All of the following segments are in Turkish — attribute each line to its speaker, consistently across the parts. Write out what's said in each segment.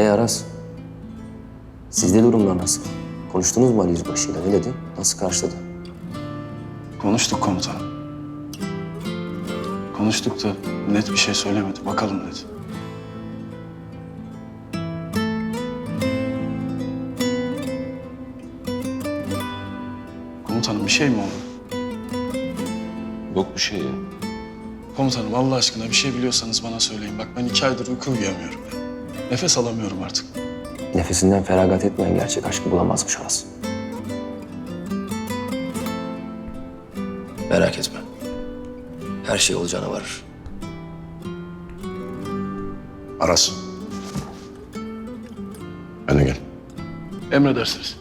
Speaker 1: Aras? Sizde durumlar nasıl? Konuştunuz mu Ali Yüzbaşı'yla? Ne dedi? Nasıl karşıladı?
Speaker 2: Konuştuk komutanım. Konuştuk da net bir şey söylemedi. Bakalım dedi. Komutanım bir şey mi oldu?
Speaker 3: Yok bir şey ya.
Speaker 2: Komutanım Allah aşkına bir şey biliyorsanız bana söyleyin. Bak ben 2 aydır uyku uyuyamıyorum ya. Nefes alamıyorum artık.
Speaker 1: Nefesinden feragat etmeyen gerçek aşkı bulamazmış Aras. Merak etme. Her şey olacağına varır.
Speaker 3: Aras. Ben de gel.
Speaker 2: Emredersiniz.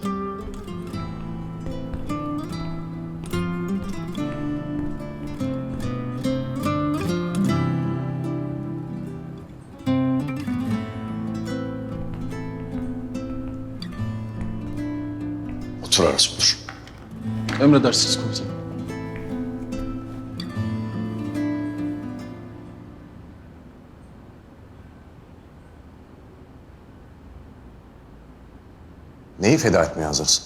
Speaker 3: Otur Aras, otur.
Speaker 2: Emredersiniz komutanım.
Speaker 3: Neyi feda etmeye hazırsın?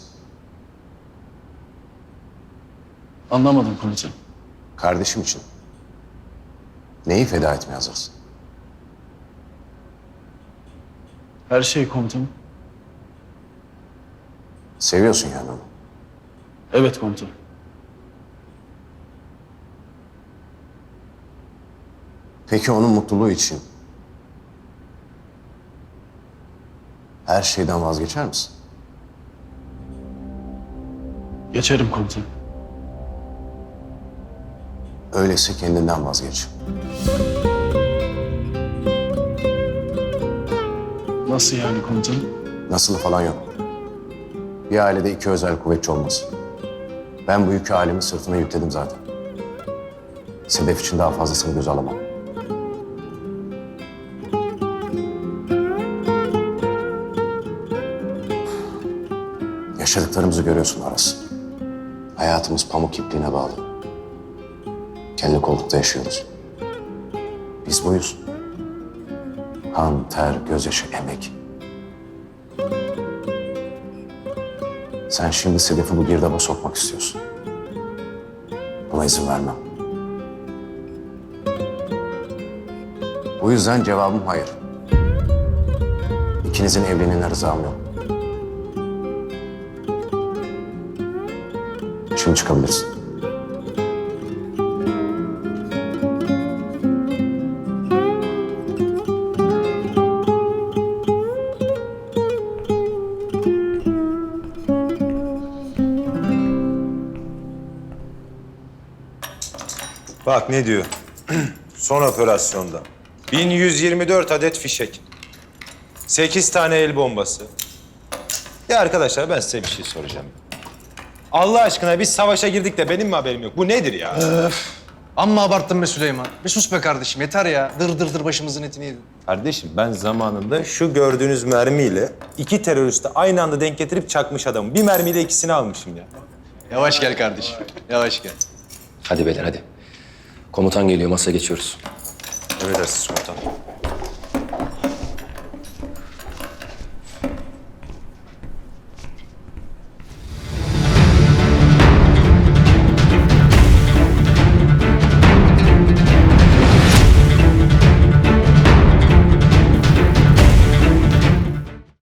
Speaker 2: Anlamadım komutanım.
Speaker 3: Kardeşim için. Neyi feda etmeye hazırsın?
Speaker 2: Her şey komutanım.
Speaker 3: Seviyorsun yani onu.
Speaker 2: Evet komutanım.
Speaker 3: Peki onun mutluluğu için her şeyden vazgeçer misin?
Speaker 2: Geçerim komutanım.
Speaker 3: Öyleyse kendinden vazgeç.
Speaker 2: Nasıl yani komutanım?
Speaker 3: Nasılı falan yok. Bir ailede 2 özel kuvvetçi olmaz. Ben bu yükü ailemin sırtına yükledim zaten. Sedef için daha fazlasını göze alamam. Yaşadıklarımızı görüyorsun Aras. Hayatımız pamuk ipliğine bağlı. Kendi kollukta yaşıyoruz. Biz buyuz. Kan, ter, gözyaşı, emek. Sen şimdi Sedef'i bu girdaba sokmak istiyorsun. Buna izin vermem. Bu yüzden cevabım hayır. İkinizin evliliğine rızam yok. Şimdi çıkabilirsin.
Speaker 4: Bak ne diyor. Son operasyonda 1124 adet fişek. 8 tane el bombası. Ya arkadaşlar ben size bir şey soracağım. Allah aşkına biz savaşa girdik de benim mi haberim yok? Bu nedir ya?
Speaker 5: Amma abarttın be Süleyman. Bir sus be kardeşim yeter ya. Dır dır dır başımızın etini yedin.
Speaker 4: Kardeşim ben zamanında şu gördüğünüz mermiyle 2 teröristi aynı anda denk getirip çakmış adamım. Bir mermiyle ikisini almışım ya.
Speaker 5: Yavaş gel kardeşim. Yavaş gel.
Speaker 1: Hadi beyler hadi. Komutan geliyor, masaya geçiyoruz.
Speaker 4: Emredersiniz komutanım.